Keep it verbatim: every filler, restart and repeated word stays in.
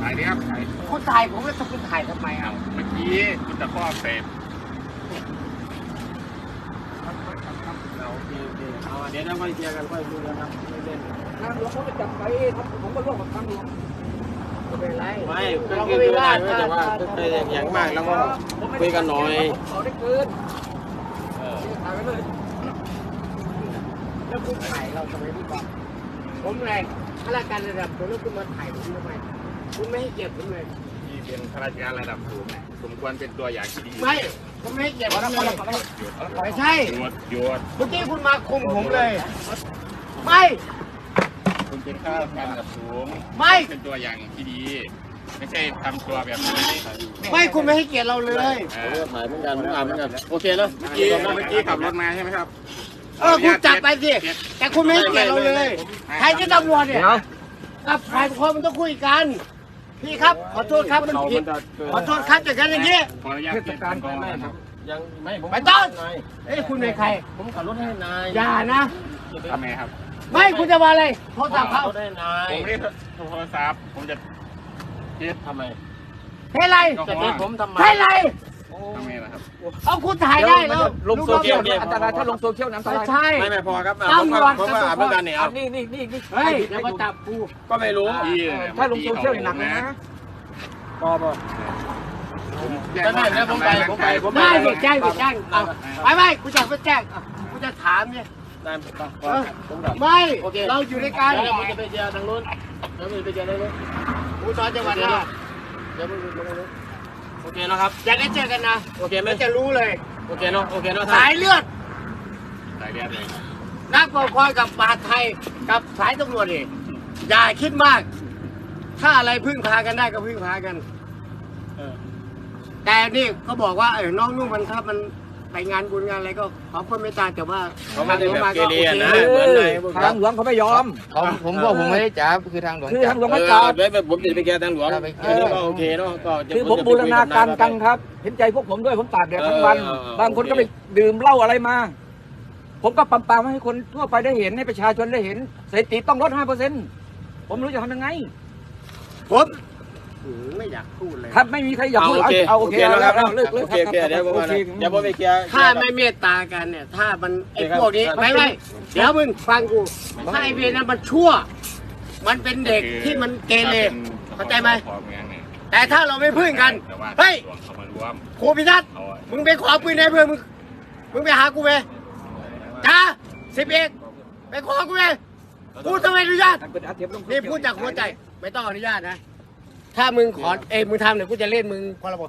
ถ่ายดิครับถ่ายคุณถ่ายผมแล้วคุณถ่ายทำไมอ่ะเมื่อกี้คุณตะคอกเสพโอเคโอเคเอาเดี๋ยวเราค่อยเคลียร์กันค่อยคุยกันครับไม่เล่นทางหลวงเขาไปจับไปครับผมก็ร่วมกับทางหลวงไม่เป็นไรไม่ก็คือคือได้ไม่แต่ว่าคืออย่างมากแล้วก็คุยกันหน่อยเขาได้เกินเออถ่ายไปเลยแล้วคุณถ่ายเราทำไมพี่บอกผมแรงข้าราชการระดับผมแล้วคุณมาถ่ายผมทำไมคุณไม่ให้เกียรติผมเลยที่เป็นข้าราชการระดับสูงสมควรเป็นตัวอย่างที่ดีไม่ผมไม่ให้เกียรติผมเลยไม่ใช่หยุดหยุดเมื่อกี้คุณมาคุมผมเลย ไม่คุณเป็นข้าราชการระดับสูงไม่เป็นตัวอย่างที่ดี ไม่ใช่ทำตัวแบบนี้ไม่คุณไม่ให้เกียรติเราเลยเอเอออถ่ายเหมือนกันอ่านเหมือนกันโอเคนะเมื่อกี้เมื่อกี้ขับรถมาใช่ไหมครับเออคุณจับไปสิแต่คุณไม่ให้เกียรติเราเลยใครจะตำรวจเนี่ยกับฝ่ายปกครองมันต้องคุยกันพี่ครับขอโทษครับมันผิดขอโทษครับจากการอย่างนี้ขออนุญาตเปลี่ยนการกองนะครับยังไม่ผมไม่ต้องเอ้ยคุณเป็นใครผมขับรถให้นายอย่านะทำไมครับไม่คุณจะมาอะไรโทรศัพท์เขารถให้นายผมไม่ได้โทรศัพท์ผมจะเช็ดทำไมเฮ้ยไรจะเด็ผมทำไมใช่ไรทำไมล่ะครับเอาคุณถ่ายได้แล้วลงโซเชียลเนี่ยอันตรายถ้าลงโซเชียลน้ำตไม่รายใช่ไม่ไม่พอครับผมก็ผมก็อ่านเหมือนกันเนี่ยอันนี้นี่นี่นี่เฮ้ยอย่ามาจับกูก็ไม่รู้พี่ถ้าลงโซเชียลนี่หนักเลยนะพอพอ ก็ได้นะผมไปผมไปผมได้เด็กแจ้งเด็กแจ้งเอาไปไปกูจะไปแจ้งอ่ะกูจะถามเนี่ยได้ปะเออผมกลับไม่เราอยู่ในการแล้วผมจะไปเจอทางนู้นแล้วผมจะไปเจอทางนู้นกูสอนจังหวัดนะเดี๋ยวผมไปทางนู้นโอเคนะครับอยากได้เจอกันนะโอเคไหมมันจะรู้เลยโอเคเนาะโอเคเนาะสายเลือดสายเลือดเลยนักปกครองกับปราชญ์ไทยกับสายตำรวจนี่อย่าคิดมาก ถ้าอะไรพึ่งพากันได้ก็พึ่งพากันเออแต่นี่ก็บอกว่าเออน้องนุ่มมันครับมันไปงานบุญงานอะไรก็ขอความเมตตาแต่ว่าเขาไม่ได้แบบเกเรนะโอเหมือนในพวกทางหลวงเขาไม่ยอมผมผมบอกผมไม่ได้จับคือทางหลวงคือจัทาบงหลวงเอไม่อจับไว้แบบผมจะไปแก้ทางหลวงครับไปแก้อันนี้ก็โอเคเนาะก็จะคือผมบูรณาการกันครับ เห็นใจพวกผมด้วยผมตากแดดทั้งวัน บางคนก็ไปดื่มเหล้าอะไรมา ผมก็ปั๊มปามให้คนทั่วไปได้เห็นให้ประชาชนได้เห็นสถิติต้องลดห้าเปอร์เซ็นต์ผมไม่รู้จะทำยังไงผมหือไม่อยากพูดเลยครับไม่มีใครอยากเอาพูดโอเคเอาโอโอเคเคนะแล้คว รับเลิกเลิกโอเคโอเคเดี๋ยวผมมาเดี๋ยวผมไปเคลียร์ถ้าไม่เมตตากันเนี่ย ถ้ามันไอ้โอเคครับพวกนี้ไม่ไม่เดี๋ยวมึงฟังกูถ้าไอ้เวรนั้นมันชั่ว มันเป็นเด็กที่มันเกเรเข้าใจไหมของเมืองเนี่ยแต่ถ้าเราไม่พึ่งกันแต่ว่าเฮ้ยหลวงเขามารวมครูพิทัศน์เอามึงไปขอปืนให้เพื่อนมึงมึงไปหากูไปจ้าสิบเอกไปขอกูไปกูต้องอนุญาตนี่พูดจากหัวใจ ไม่ต้องอนุญาตนะ ถ้ามึงขอเอ้ยมึงทำเนี่ยกูจะเล่นมึงพรบ